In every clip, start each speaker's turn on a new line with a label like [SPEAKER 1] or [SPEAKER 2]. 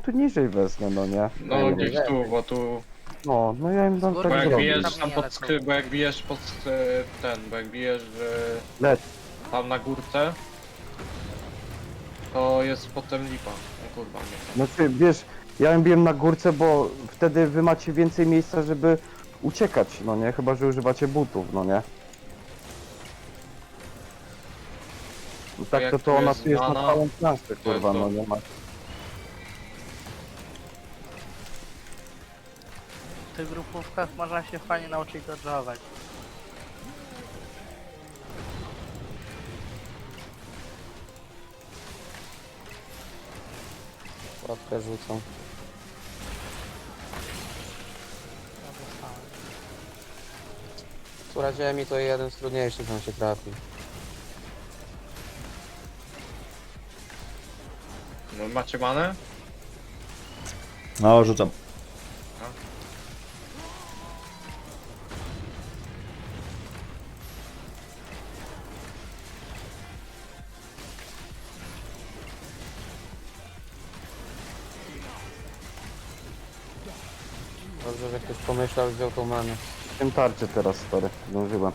[SPEAKER 1] tu niżej wezmę, no nie?
[SPEAKER 2] No
[SPEAKER 1] nie
[SPEAKER 2] gdzieś
[SPEAKER 1] wiem.
[SPEAKER 2] tu, bo tu...
[SPEAKER 1] No ja im dam
[SPEAKER 3] Bo
[SPEAKER 1] tak
[SPEAKER 2] Bo jak
[SPEAKER 1] zrobić.
[SPEAKER 2] bijesz
[SPEAKER 3] Tam
[SPEAKER 2] tam
[SPEAKER 3] nie
[SPEAKER 2] pod
[SPEAKER 3] lecą.
[SPEAKER 2] skry, bo jak bijesz pod ten, bo jak bijesz
[SPEAKER 1] Leć.
[SPEAKER 2] tam na górce, to jest potem lipa. No kurwa nie.
[SPEAKER 1] Znaczy, wiesz, ja ją biłem na górce, bo wtedy wy macie więcej miejsca, żeby uciekać, no nie? Chyba, że używacie butów, no nie? No tak
[SPEAKER 2] jak
[SPEAKER 1] to
[SPEAKER 2] tu
[SPEAKER 1] ona
[SPEAKER 2] jest
[SPEAKER 1] tu jest na
[SPEAKER 2] mana,
[SPEAKER 1] całą planszę, kurwa,
[SPEAKER 2] to-
[SPEAKER 1] no nie ma.
[SPEAKER 3] W tych grupówkach można się fajnie nauczyć dodżować.
[SPEAKER 4] Łapkę rzucą.
[SPEAKER 3] Ja dostałem.
[SPEAKER 4] Która ziemi to jeden z trudniejszych nam się trafi.
[SPEAKER 2] No macie manę?
[SPEAKER 5] No, rzucam.
[SPEAKER 4] Dobrze, że ktoś pomyślał i wziął tą manę.
[SPEAKER 1] Tym tarczy teraz, stary, zdążyłem.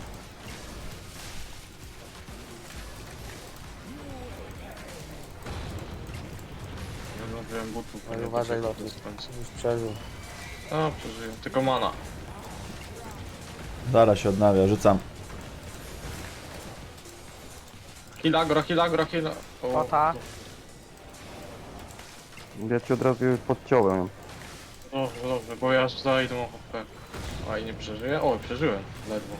[SPEAKER 2] Nie zrobiłem butów.
[SPEAKER 4] Ale
[SPEAKER 2] nie
[SPEAKER 4] uważaj,
[SPEAKER 2] dosyć
[SPEAKER 4] Lotus.
[SPEAKER 2] do końca.
[SPEAKER 4] Już przeżył.
[SPEAKER 2] No przeżyję, tylko mana.
[SPEAKER 5] Zaraz się odnawia, rzucam.
[SPEAKER 2] Hilagro, hilagro, hilagro.
[SPEAKER 3] Pota.
[SPEAKER 1] Ja ci od razu podciąłem ją.
[SPEAKER 2] Dobrze, dobrze, bo ja aż zajdę HP. A i nie przeżyję? O, przeżyłem, ledwo.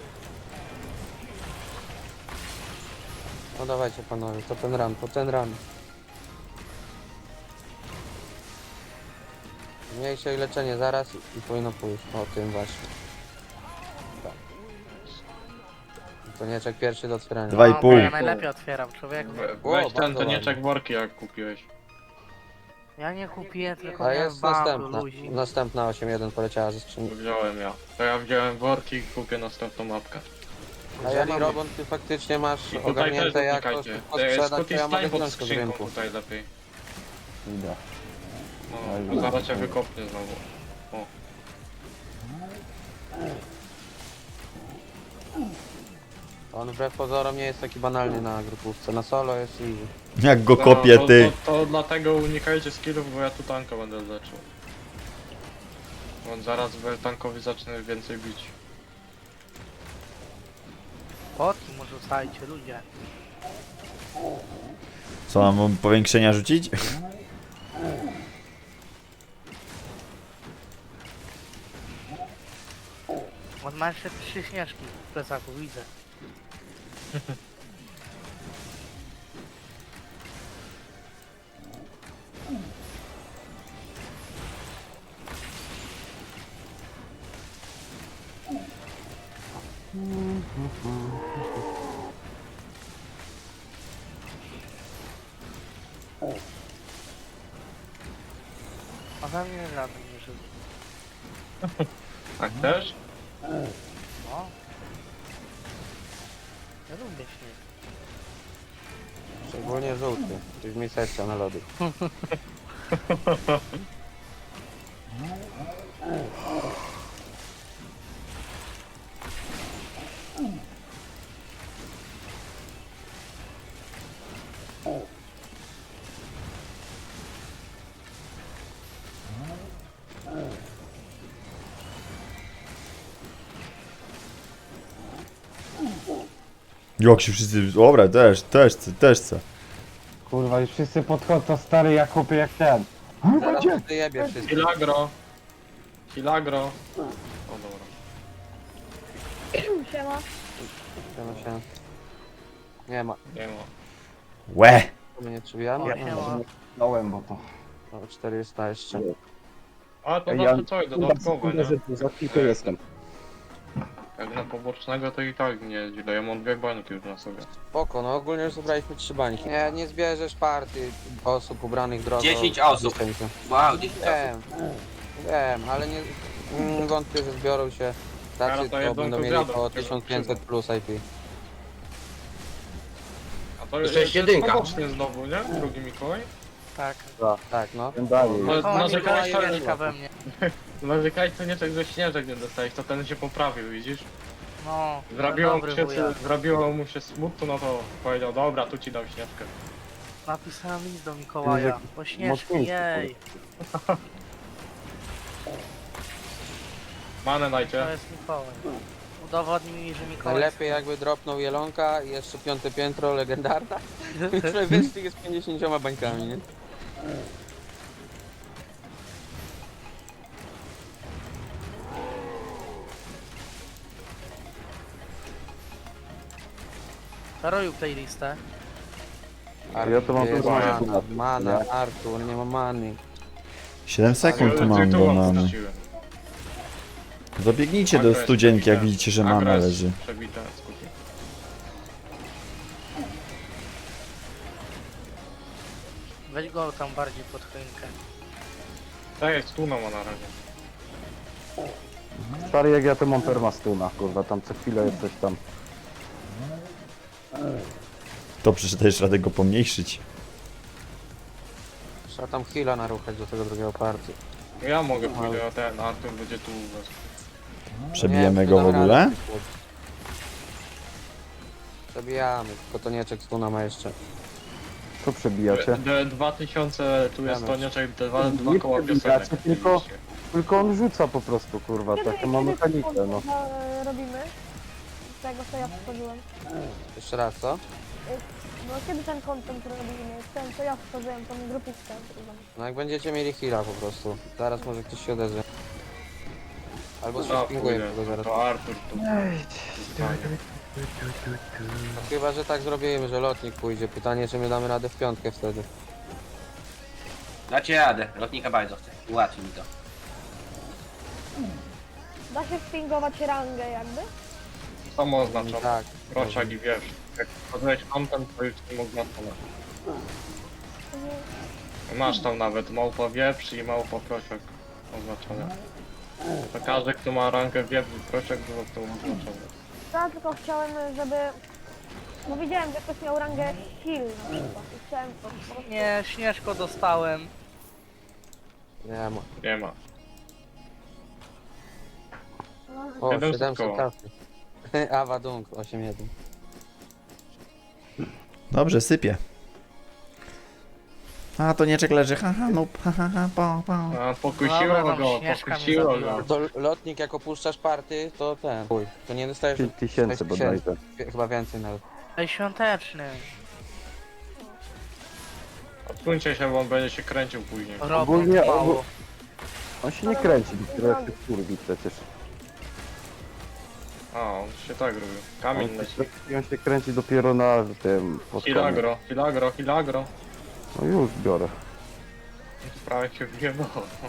[SPEAKER 4] No dawajcie panowie, to ten run, to ten run. Mniejsze i leczenie zaraz i powinno pójść. O tym właśnie. Konieczek pierwszy do otwierania.
[SPEAKER 5] Dwa i
[SPEAKER 3] No,
[SPEAKER 5] pół.
[SPEAKER 3] bo ja najlepiej otwieram, człowieku.
[SPEAKER 2] Weź ten
[SPEAKER 4] bardzo
[SPEAKER 2] tonieczek
[SPEAKER 4] ładnie.
[SPEAKER 2] worki jak kupiłeś.
[SPEAKER 3] Ja nie kupiłem, tylko
[SPEAKER 4] A
[SPEAKER 3] miałem
[SPEAKER 4] jest
[SPEAKER 3] bundle
[SPEAKER 4] następna.
[SPEAKER 3] ludzi.
[SPEAKER 4] Następna 8-1 poleciała ze skrzyni.
[SPEAKER 2] Wziąłem ja. To ja wziąłem worki i kupię następną mapkę.
[SPEAKER 4] A jeżeli Robon ty faktycznie masz
[SPEAKER 2] I tutaj też
[SPEAKER 4] ogarnięte jak to
[SPEAKER 2] dotykajcie.
[SPEAKER 4] sprzedać, to
[SPEAKER 2] Scotty
[SPEAKER 4] ja mogę
[SPEAKER 2] stań pod
[SPEAKER 4] wziąć to z
[SPEAKER 2] skrzynką
[SPEAKER 4] rynku.
[SPEAKER 2] tutaj lepiej.
[SPEAKER 1] Idę.
[SPEAKER 2] No, zaraz cię wykopnie znowu. O.
[SPEAKER 4] On wbrew pozorom nie jest taki banalny na grupówce. Na solo jest easy.
[SPEAKER 5] Jak go
[SPEAKER 2] No,
[SPEAKER 5] kopię,
[SPEAKER 2] to,
[SPEAKER 5] ty.
[SPEAKER 2] to dlatego unikajcie skillów, bo ja tu tanka będę leczył. Bo zaraz tankowi zacznę więcej bić.
[SPEAKER 3] Potki może rzucajcie, ludzie.
[SPEAKER 5] Co, mam mu powiększenia rzucić?
[SPEAKER 3] On ma jeszcze 3 śnieżki w plecaku, widzę. A za mnie żaden nie żył.
[SPEAKER 2] Tak też?
[SPEAKER 3] No. Ja lubię śnieg.
[SPEAKER 4] Szczególnie żółty. Czyli mi sekcja na lody.
[SPEAKER 5] Jak się wszyscy... Dobra, też chcę.
[SPEAKER 1] Kurwa, już wszyscy podchodzą, stary, ja kupię jak ten.
[SPEAKER 4] Zaraz ty jebie wszystko.
[SPEAKER 2] Hilagro. Hilagro. O dobra.
[SPEAKER 6] Siema.
[SPEAKER 4] Siema, siema. Nie ma.
[SPEAKER 2] Nie ma.
[SPEAKER 5] Łe!
[SPEAKER 4] My nie przybijamy?
[SPEAKER 3] O,
[SPEAKER 4] Ja
[SPEAKER 3] siema.
[SPEAKER 1] Dałem, bo to...
[SPEAKER 4] no, 400 jeszcze.
[SPEAKER 2] A to
[SPEAKER 1] Ja-
[SPEAKER 2] zawsze coś dodatkowe, nie?
[SPEAKER 1] Za chwilkę jestem.
[SPEAKER 2] Jak na pobocznego to i tak nie źle. Ja mam 2 bańki już na sobie.
[SPEAKER 4] Spoko, no ogólnie już zebraliśmy 3 bańki. Nie zbierzesz partii osób ubranych drogo.
[SPEAKER 7] 10 osób.
[SPEAKER 4] Dziesięciu.
[SPEAKER 7] Wow, 10 osób.
[SPEAKER 4] Wiem, ale nie wątpię, że zbiorą się tacy,
[SPEAKER 2] Teraz to
[SPEAKER 4] to
[SPEAKER 2] jedną
[SPEAKER 4] będą
[SPEAKER 2] to
[SPEAKER 4] mieli
[SPEAKER 2] zjadą,
[SPEAKER 4] po
[SPEAKER 2] tylko
[SPEAKER 4] 1500 plus IP.
[SPEAKER 2] A to
[SPEAKER 7] Jeszcze jest jedynka.
[SPEAKER 2] pobocznie znowu, nie? Drugi Mikołaj?
[SPEAKER 3] Tak.
[SPEAKER 4] Tak, no.
[SPEAKER 1] Ten dalej.
[SPEAKER 2] No,
[SPEAKER 3] Koło
[SPEAKER 2] narzekałeś,
[SPEAKER 3] Mikołaja
[SPEAKER 2] to-
[SPEAKER 3] mieszka we mnie.
[SPEAKER 2] Narzekałeś to nie tak, że śnieżek nie dostałeś, to ten się poprawił, widzisz?
[SPEAKER 3] No,
[SPEAKER 2] Zrobiło mu
[SPEAKER 3] dobry
[SPEAKER 2] się,
[SPEAKER 3] wuja.
[SPEAKER 2] zrobiło mu się smutno, no to powiedział, dobra, tu ci dam śnieżkę.
[SPEAKER 3] Napisałem list do Mikołaja.
[SPEAKER 1] Jakiś
[SPEAKER 3] Bo śnieżki,
[SPEAKER 1] mocniejszy,
[SPEAKER 3] jej.
[SPEAKER 2] Manę
[SPEAKER 3] To
[SPEAKER 2] najcie.
[SPEAKER 3] jest Mikołaj. Udowodnij mi, że Mikołaj...
[SPEAKER 4] Najlepiej jakby dropnął Jelonka i jeszcze 5. piętro legendarna. I wyszli jest 50 bańkami, nie?
[SPEAKER 3] Zaroju playlistę.
[SPEAKER 1] Ja to mam
[SPEAKER 4] Jest
[SPEAKER 1] tu
[SPEAKER 4] mana,
[SPEAKER 1] mana,
[SPEAKER 4] mana,
[SPEAKER 1] nie?
[SPEAKER 4] Artur, nie ma many.
[SPEAKER 5] 7 sekund tu
[SPEAKER 2] Ale
[SPEAKER 5] mam do
[SPEAKER 2] tytułem
[SPEAKER 5] mamy.
[SPEAKER 2] wróciłem.
[SPEAKER 5] Zabiegnijcie do
[SPEAKER 2] Agro jest
[SPEAKER 5] studzienki, jak
[SPEAKER 2] przebite.
[SPEAKER 5] widzicie, że
[SPEAKER 2] Agro
[SPEAKER 5] mana
[SPEAKER 2] jest
[SPEAKER 5] leży.
[SPEAKER 2] Przebite, skupi.
[SPEAKER 3] Weź go tam bardziej pod choinkę.
[SPEAKER 2] Tak jest, tu ma na razie.
[SPEAKER 1] Stary jak ja to mam permastuna, kurwa, tam co chwilę jest coś tam.
[SPEAKER 5] To przeczytajesz radę go pomniejszyć.
[SPEAKER 4] Trzeba tam heala naruchać do tego drugiego partii.
[SPEAKER 2] Ja mogę pójść, a ten Artur będzie tu u was.
[SPEAKER 5] Przebijemy
[SPEAKER 4] Nie,
[SPEAKER 5] go w
[SPEAKER 4] damy
[SPEAKER 5] ogóle?
[SPEAKER 4] radę. Przebijamy, tylko to nieczek stuna ma jeszcze.
[SPEAKER 1] Co przebijacie?
[SPEAKER 2] 2000, tu jest
[SPEAKER 4] Janusz.
[SPEAKER 2] Tonieczek, dwa
[SPEAKER 1] Nie
[SPEAKER 2] koła
[SPEAKER 1] przebijacie,
[SPEAKER 2] piosenek.
[SPEAKER 1] tylko- Tylko on rzuca po prostu, kurwa, taką ma mechanikę, no.
[SPEAKER 6] Robimy? Z tego co ja stworzyłem.
[SPEAKER 4] Jeszcze raz, co?
[SPEAKER 6] No kiedy ten content robimy? Ten co ja stworzyłem, tą grupówkę.
[SPEAKER 4] No jak będziecie mieli heala po prostu. Zaraz może ktoś się odezwie. Albo się
[SPEAKER 2] No,
[SPEAKER 4] spinguje
[SPEAKER 2] pójdę.
[SPEAKER 4] tego zaraz.
[SPEAKER 2] To Artur tu.
[SPEAKER 4] No, chyba, że tak zrobimy, że lotnik pójdzie. Pytanie, czy my damy radę w piątkę wtedy.
[SPEAKER 7] Dacie radę, lotnika bardzo chcę. Ułatwi mi to.
[SPEAKER 6] Da się spingować rangę jakby?
[SPEAKER 2] Samo oznaczone.
[SPEAKER 4] Tak.
[SPEAKER 2] Proszak i wiesz. Jak wchodziłeś content, to już nie mógł oznaczone.
[SPEAKER 6] To nie-
[SPEAKER 2] Masz tam nawet małpa wieprz i małpa prosiak oznaczone. To każdy, kto ma rankę wieprz i prosiak, było to oznaczone.
[SPEAKER 6] Ja tylko chciałem, żeby... No widziałem, że ktoś miał rangę heal na przykład. I chciałem po prostu...
[SPEAKER 3] Nie, Śnieżko dostałem.
[SPEAKER 4] Nie ma.
[SPEAKER 2] Nie ma.
[SPEAKER 4] O,
[SPEAKER 2] 700
[SPEAKER 4] 700
[SPEAKER 2] koła.
[SPEAKER 4] kasy. Awadung 8-1.
[SPEAKER 5] Dobrze, sypie. A, to nieczek leży, haha, no, haha, po.
[SPEAKER 2] A pokusiło
[SPEAKER 3] Dobra, tam
[SPEAKER 2] go,
[SPEAKER 3] Śnieżka mnie
[SPEAKER 2] pokusiło
[SPEAKER 3] zabiła.
[SPEAKER 2] go.
[SPEAKER 4] To lotnik jak opuszczasz party, to ten. Chuj, to nie dostajesz
[SPEAKER 1] 5000
[SPEAKER 4] 6
[SPEAKER 1] bodajże.
[SPEAKER 4] chyba więcej nawet.
[SPEAKER 3] Ej, świąteczny.
[SPEAKER 2] Odsuńcie się, bo on będzie się kręcił później.
[SPEAKER 1] Ogólnie-
[SPEAKER 3] Robot mało.
[SPEAKER 1] On się nie kręci, dopiero jak się kurwi przecież.
[SPEAKER 2] A, on się tak robił. Kamień leci.
[SPEAKER 1] On się kręci dopiero na tym pod koniec.
[SPEAKER 2] Hilagro, hilagro, hilagro.
[SPEAKER 1] No już biorę.
[SPEAKER 2] Prawie się wjebał.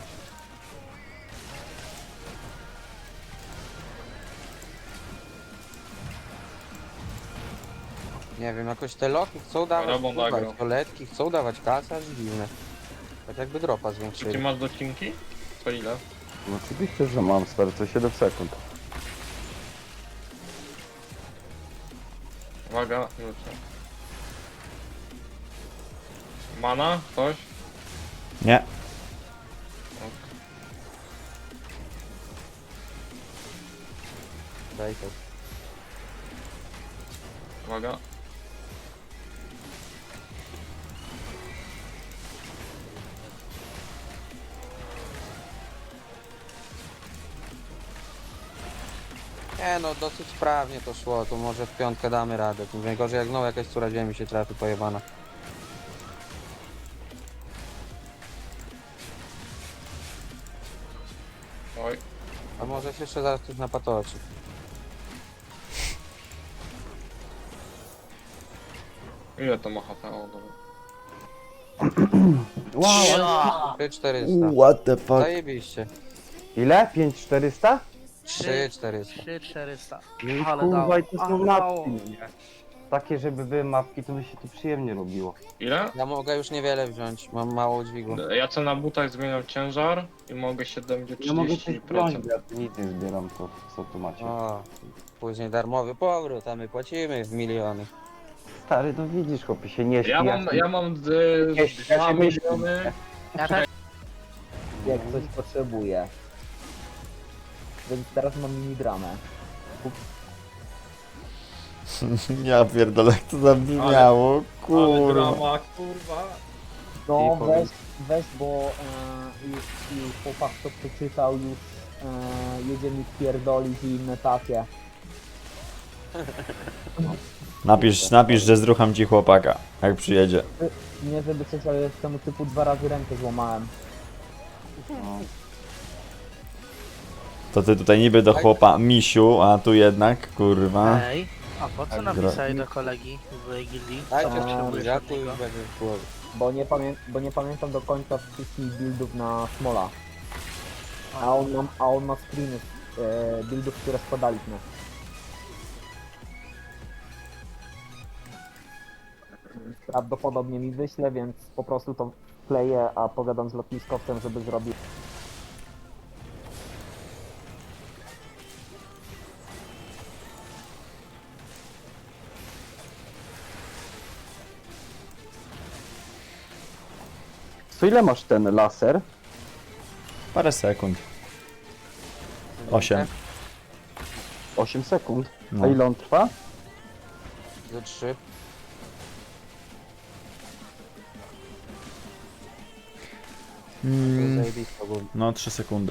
[SPEAKER 4] Nie wiem, jakoś te loki chcą dawać,
[SPEAKER 2] Robą
[SPEAKER 4] kurwa,
[SPEAKER 2] agro.
[SPEAKER 4] i toaletki chcą dawać kasę, aż dziwne. Tak jakby dropa
[SPEAKER 2] Czy ty
[SPEAKER 4] zwiększyli.
[SPEAKER 2] masz docinki? To ile?
[SPEAKER 1] No oczywiście, że mam, stary, co 7 sekund.
[SPEAKER 2] Uwaga, rzucę. Mana? Coś?
[SPEAKER 5] Nie.
[SPEAKER 4] Daj to.
[SPEAKER 2] Uwaga.
[SPEAKER 4] Nie no, dosyć sprawnie to szło, to może w piątkę damy radę. Tym najgorzej jak znowu jakaś córa ziemi się trafi pojebana.
[SPEAKER 2] Oj.
[SPEAKER 4] A może się jeszcze zaraz ktoś napatoczy.
[SPEAKER 2] Ile to ma HP? O, dobra.
[SPEAKER 3] Wow.
[SPEAKER 4] 3400.
[SPEAKER 5] What the fuck?
[SPEAKER 4] Zajebiście.
[SPEAKER 1] Ile? 5400?
[SPEAKER 4] 3400.
[SPEAKER 3] 3400.
[SPEAKER 1] No i
[SPEAKER 3] Ale
[SPEAKER 1] kurwa,
[SPEAKER 3] dało.
[SPEAKER 1] i to są
[SPEAKER 3] Ale dało.
[SPEAKER 1] mapki, nie? Takie, żeby były mapki, to by się tu przyjemnie robiło.
[SPEAKER 2] Ile?
[SPEAKER 4] Ja mogę już niewiele wziąć, mam mało dźwigu.
[SPEAKER 2] Ja co na butach zmieniam ciężar i mogę 70
[SPEAKER 1] Ja mogę coś
[SPEAKER 2] 30%.
[SPEAKER 1] wziąć, bo ja tu nic nie zbieram, to co tu macie.
[SPEAKER 4] O, później darmowy powrót, a my płacimy w miliony.
[SPEAKER 1] Stary, no widzisz, chłopie, się nie śpi.
[SPEAKER 2] Ja mam
[SPEAKER 1] Ja się
[SPEAKER 2] 2
[SPEAKER 1] myślę.
[SPEAKER 2] miliony.
[SPEAKER 3] Ja też
[SPEAKER 8] Jak coś potrzebuję. Więc teraz mam minigramę.
[SPEAKER 5] Ja pierdolę, jak to zabrzmiało,
[SPEAKER 2] Ale
[SPEAKER 5] kurwa.
[SPEAKER 2] drama, kurwa.
[SPEAKER 8] No
[SPEAKER 1] I powiem-
[SPEAKER 8] weź, bo już chłopak to przeczytał, już jedzie mi pierdolić i inne takie.
[SPEAKER 5] Napisz, że zrucham ci chłopaka, jak przyjedzie.
[SPEAKER 8] Nie żeby coś, ale temu typu 2 razy rękę złamałem.
[SPEAKER 5] To ty tutaj niby do chłopa misiu, a tu jednak, kurwa.
[SPEAKER 3] Ej, a po co
[SPEAKER 5] Tak,
[SPEAKER 3] napisałeś do kolegi w gildii?
[SPEAKER 4] Dajcie
[SPEAKER 3] Co potrzebujesz
[SPEAKER 4] buziaku
[SPEAKER 3] od
[SPEAKER 4] i
[SPEAKER 3] niego?
[SPEAKER 4] będzie w głowie.
[SPEAKER 8] Bo nie pamiętam do końca wszystkich buildów na Smola. A on ma screeny buildów, które składaliśmy. Prawdopodobnie mi wyśle, więc po prostu to wkleję, a pogadam z lotniskowcem, żeby zrobił.
[SPEAKER 1] Co ile masz ten laser?
[SPEAKER 5] Parę sekund. 8.
[SPEAKER 1] 8 sekund.
[SPEAKER 5] No.
[SPEAKER 1] A ile on trwa?
[SPEAKER 4] Ze 3. Zajebisto było.
[SPEAKER 5] No 3 sekundy.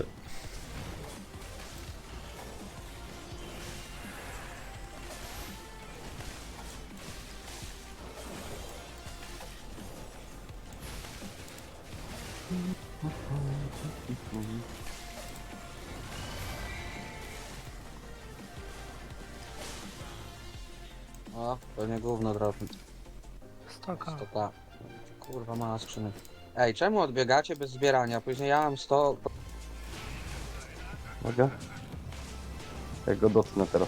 [SPEAKER 4] O, pewnie gówno dropi.
[SPEAKER 3] Stoka.
[SPEAKER 4] 100k. Kurwa, mała skrzynek. Ej, czemu odbiegacie bez zbierania? Później ja mam 100...
[SPEAKER 1] Mogę? Jak go dotknę teraz.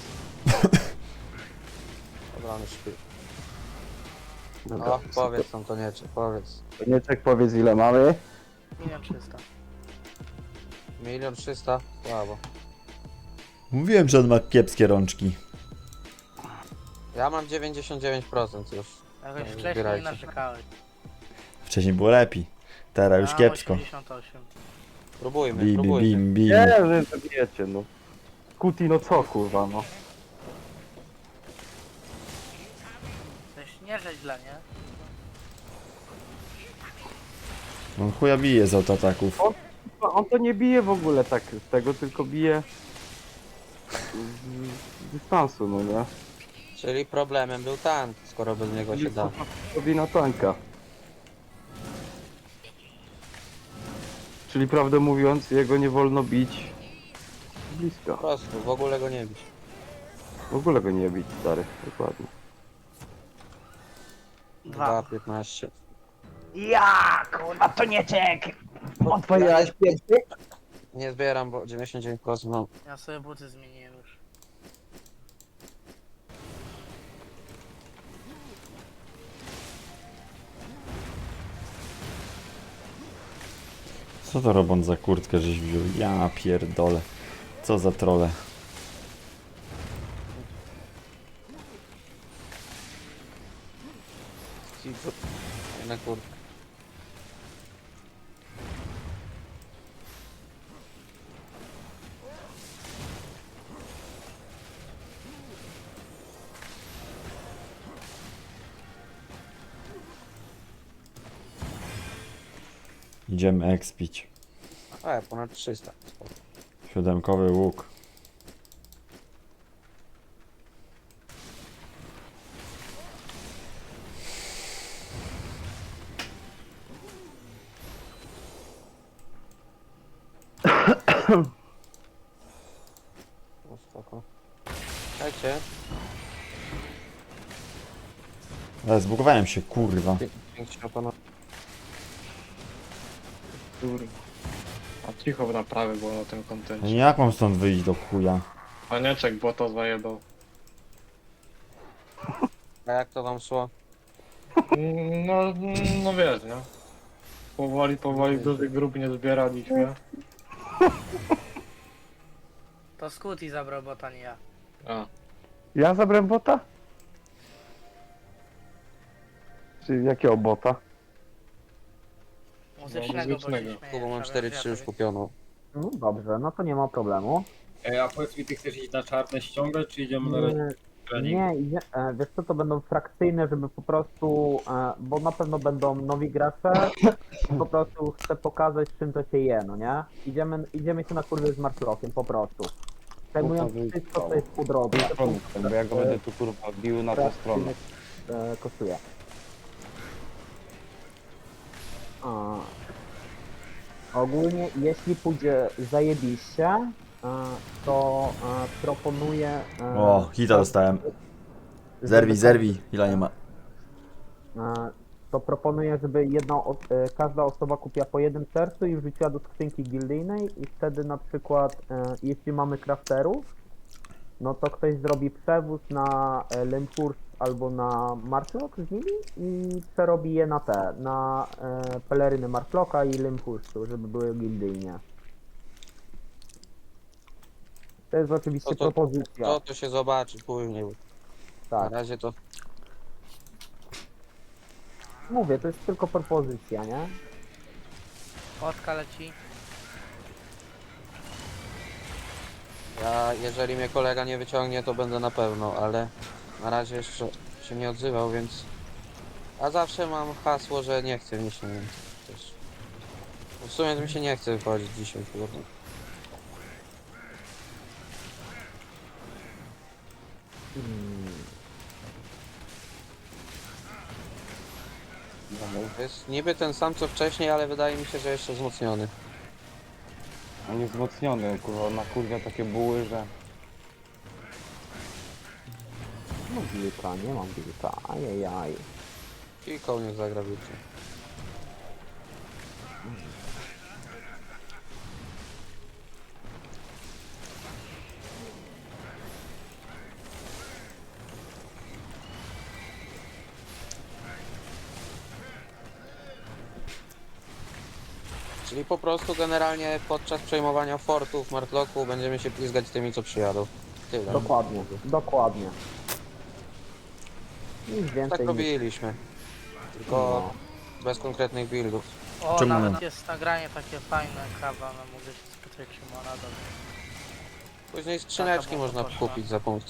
[SPEAKER 4] Dobra, on śpi.
[SPEAKER 1] Dobra,
[SPEAKER 4] O, powiedz tam to nie, czy powiedz.
[SPEAKER 1] Nieczek, powiedz ile mamy.
[SPEAKER 3] 1 300 000.
[SPEAKER 4] 1 300 000? Słabo.
[SPEAKER 5] Mówiłem, że on ma kiepskie rączki.
[SPEAKER 4] Ja mam 99% już.
[SPEAKER 3] Jakoś
[SPEAKER 4] No,
[SPEAKER 3] wcześniej
[SPEAKER 4] zbierajcie.
[SPEAKER 3] narzekałeś.
[SPEAKER 5] Wcześniej było lepiej. Teraz już
[SPEAKER 3] Ja
[SPEAKER 5] kiepsko.
[SPEAKER 3] 88.
[SPEAKER 4] Próbujmy,
[SPEAKER 5] Bim,
[SPEAKER 4] próbujmy.
[SPEAKER 5] bim, bim.
[SPEAKER 1] Nie, że zabijecie, no. Kuti, no co kurwa, no.
[SPEAKER 3] Coś nie żeś dla nie?
[SPEAKER 5] On chuja bije z autoataków.
[SPEAKER 1] On to nie bije w ogóle tak z tego, tylko bije z dystansu, no nie?
[SPEAKER 4] Czyli problemem był tank, skoro bez niego się da.
[SPEAKER 1] Robi na tanka. Czyli prawdę mówiąc, jego nie wolno bić
[SPEAKER 4] Po
[SPEAKER 1] blisko.
[SPEAKER 4] prostu, w ogóle go nie bić.
[SPEAKER 1] W ogóle go nie bić, stary, dokładnie.
[SPEAKER 3] 2.
[SPEAKER 4] 2,15.
[SPEAKER 3] Ja, kurwa, to nie czek!
[SPEAKER 1] Otwierałeś pierwszy?
[SPEAKER 4] Nie zbieram, bo 99% mam.
[SPEAKER 3] Ja sobie buty zmieniłem już.
[SPEAKER 5] Co to robąc za kurtkę żeś wziął? Ja pierdolę. Co za trole.
[SPEAKER 4] Na kurtkę.
[SPEAKER 5] Idziemy expić.
[SPEAKER 4] Ponad 300. Spoko.
[SPEAKER 5] 7-kowy łuk.
[SPEAKER 4] No spoko. Dajcie.
[SPEAKER 5] Ale zbugowałem się, kurwa.
[SPEAKER 4] Pięknie pana.
[SPEAKER 2] Kurwa. A cicho na prawy było na tym
[SPEAKER 5] No
[SPEAKER 2] kontencie.
[SPEAKER 5] jak mam stąd wyjść do chuja?
[SPEAKER 2] Panieczek, bo to zajebał.
[SPEAKER 4] A jak to wam szło?
[SPEAKER 2] No, no wiesz, nie? Powoli dużych grup nie zbieraliśmy.
[SPEAKER 3] To Scooty zabrał bota, nie ja.
[SPEAKER 2] A,
[SPEAKER 1] Ja zabrałem bota? Czy jakiego bota?
[SPEAKER 3] Muzycznego, bo się
[SPEAKER 2] muzycznego.
[SPEAKER 3] śmieje,
[SPEAKER 4] Kubo mam
[SPEAKER 3] prawie
[SPEAKER 4] 4-3 już
[SPEAKER 3] wiatr.
[SPEAKER 4] kupioną.
[SPEAKER 8] No dobrze, no to nie ma problemu.
[SPEAKER 9] A powiedz mi, ty chcesz iść na czarne ściągać, czy idziemy na razie trening?
[SPEAKER 8] Nie, wiesz co, to będą frakcyjne, żeby po prostu, bo na pewno będą nowi gracze, po prostu chcę pokazać, czym to się je, no nie? Idziemy się na kurwy z Marklokiem, po prostu. Zajmując wszystko, co jest po drodze.
[SPEAKER 1] Bo ja go będę tu kurwa bił na tę stronę.
[SPEAKER 8] Kosztuje. Ogólnie, jeśli pójdzie zajebiście, to proponuję...
[SPEAKER 5] O, hita dostałem. Zerwij, ile nie ma.
[SPEAKER 8] To proponuję, żeby każda osoba kupiła po jednym sercu i wrzuciła do skrzynki gildyjnej i wtedy na przykład, jeśli mamy crafterów, no to ktoś zrobi przewóz na Lempurs albo na Marklock z nimi i przerobi je na peleryny Marklocka i Lempursu, żeby były gildyjnie. To jest oczywiście propozycja.
[SPEAKER 4] To się zobaczy później. Na
[SPEAKER 8] Tak,
[SPEAKER 4] razie to
[SPEAKER 8] mówię, to jest tylko propozycja, nie?
[SPEAKER 3] Łotka leci.
[SPEAKER 4] ja, jeżeli mnie kolega nie wyciągnie, to będę na pewno, ale na razie jeszcze się nie odzywał, więc... A zawsze mam hasło, że nie chce mi się też. W sumie to mi się nie chce wychodzić dzisiaj, kurde. To jest niby ten sam co wcześniej, ale wydaje mi się, że jeszcze wzmocniony.
[SPEAKER 1] On jest wzmocniony, kurwa, na kurwa takie buły, że...
[SPEAKER 8] No wilka, nie mam wilka, ajajaj.
[SPEAKER 4] I kołnierz zagra wiecie. Czyli po prostu generalnie podczas przejmowania fortów, Martlocku będziemy się plizgać tymi, co przyjadą. Tyle.
[SPEAKER 8] Dokładnie, dokładnie. Nic więcej
[SPEAKER 4] Tak
[SPEAKER 8] nie-
[SPEAKER 4] robiliśmy. Tylko bez konkretnych buildów.
[SPEAKER 3] O,
[SPEAKER 5] Czemu
[SPEAKER 3] nawet
[SPEAKER 5] nie?
[SPEAKER 3] jest nagranie takie fajne, kawa, no mogę się spytać, czy ma nadal.
[SPEAKER 4] Później skrzyneczki
[SPEAKER 3] Taka
[SPEAKER 4] można
[SPEAKER 3] poszła.
[SPEAKER 4] kupić za punkty.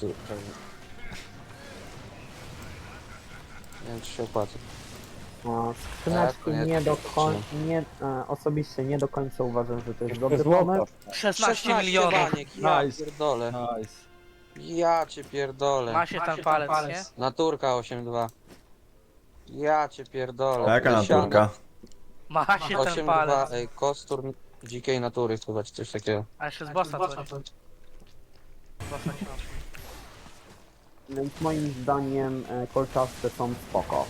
[SPEAKER 4] Nie wiem, czy się opłaca.
[SPEAKER 8] Skrzyneczki
[SPEAKER 4] Tak,
[SPEAKER 8] nie do
[SPEAKER 4] to
[SPEAKER 8] końca, osobiście nie do końca uważam, że to jest dobry pomysł.
[SPEAKER 3] 16 milionów.
[SPEAKER 4] baniek, ja
[SPEAKER 9] Nice.
[SPEAKER 4] pierdolę.
[SPEAKER 9] Nice.
[SPEAKER 4] Ja cię pierdolę.
[SPEAKER 3] Ma się ten palec, nie?
[SPEAKER 4] Naturka 8-2. Ja cię pierdolę.
[SPEAKER 5] A jaka
[SPEAKER 4] Wysiana.
[SPEAKER 5] naturka?
[SPEAKER 3] Ma się ten
[SPEAKER 4] 8-2,
[SPEAKER 3] palec.
[SPEAKER 4] ej, kostur dzikiej natury chyba, czy coś takiego.
[SPEAKER 3] A jeszcze z bossa coś. Bossa książki.
[SPEAKER 8] Więc moim zdaniem kolczaste są spoko.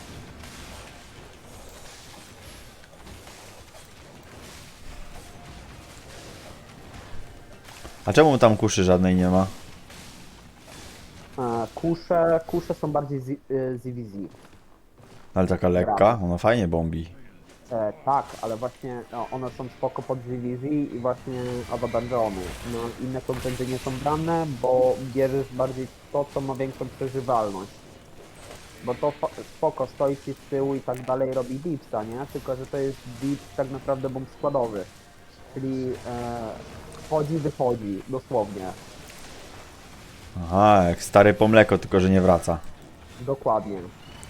[SPEAKER 5] A czemu tam kuszy żadnej nie ma?
[SPEAKER 8] Kusze są bardziej ZVZ.
[SPEAKER 5] Ale taka lekka, ona fajnie bombi.
[SPEAKER 8] Tak, ale właśnie one są spoko pod ZVZ i właśnie Abaddonjony. No, inne kontenty nie są brane, bo bierzesz bardziej to, co ma większą przeżywalność. Bo to spoko, stoi ci z tyłu i tak dalej robi dipsa, nie? Tylko, że to jest dips tak naprawdę bomb składowy. Czyli wchodzi, wychodzi, dosłownie.
[SPEAKER 5] Aha, jak stary po mleko, tylko że nie wraca.
[SPEAKER 8] Dokładnie.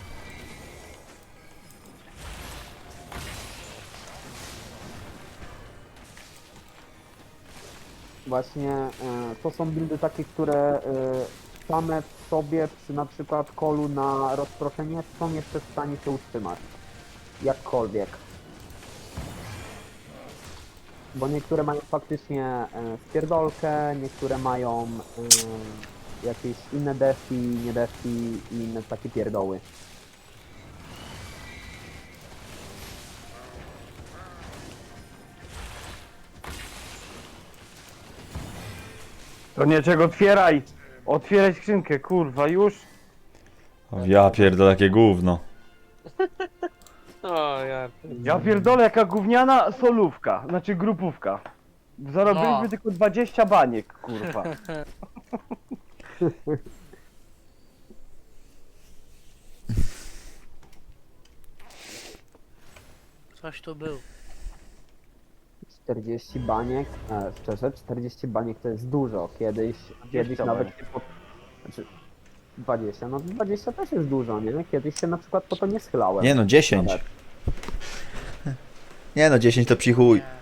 [SPEAKER 8] Właśnie to są buildy takie, które same w sobie przy na przykład kolu na rozproszenie są jeszcze w stanie się utrzymać. Jakkolwiek. Bo niektóre mają faktycznie spierdolkę, niektóre mają jakieś inne defi, nie defi i inne takie pierdoły.
[SPEAKER 1] To niczego otwieraj! Otwieraj skrzynkę, kurwa, już!
[SPEAKER 5] O, ja pierdolę, jakie gówno.
[SPEAKER 4] O, ja...
[SPEAKER 1] Ja pierdolę, jaka gówniana solówka, znaczy grupówka. Zarobiliśmy
[SPEAKER 3] No.
[SPEAKER 1] tylko 20 baniek, kurwa.
[SPEAKER 3] Coś tu był.
[SPEAKER 8] 40 baniek, szczerze, 40 baniek to jest dużo. Kiedyś
[SPEAKER 1] 20
[SPEAKER 8] nawet
[SPEAKER 1] baniek.
[SPEAKER 8] się znaczy 20, no 20 też jest dużo, nie? Kiedyś się na przykład po to nie schylałem.
[SPEAKER 5] Nie no, 10.
[SPEAKER 8] Nawet.
[SPEAKER 5] Nie no, 10 to psi chuj.
[SPEAKER 3] Nie.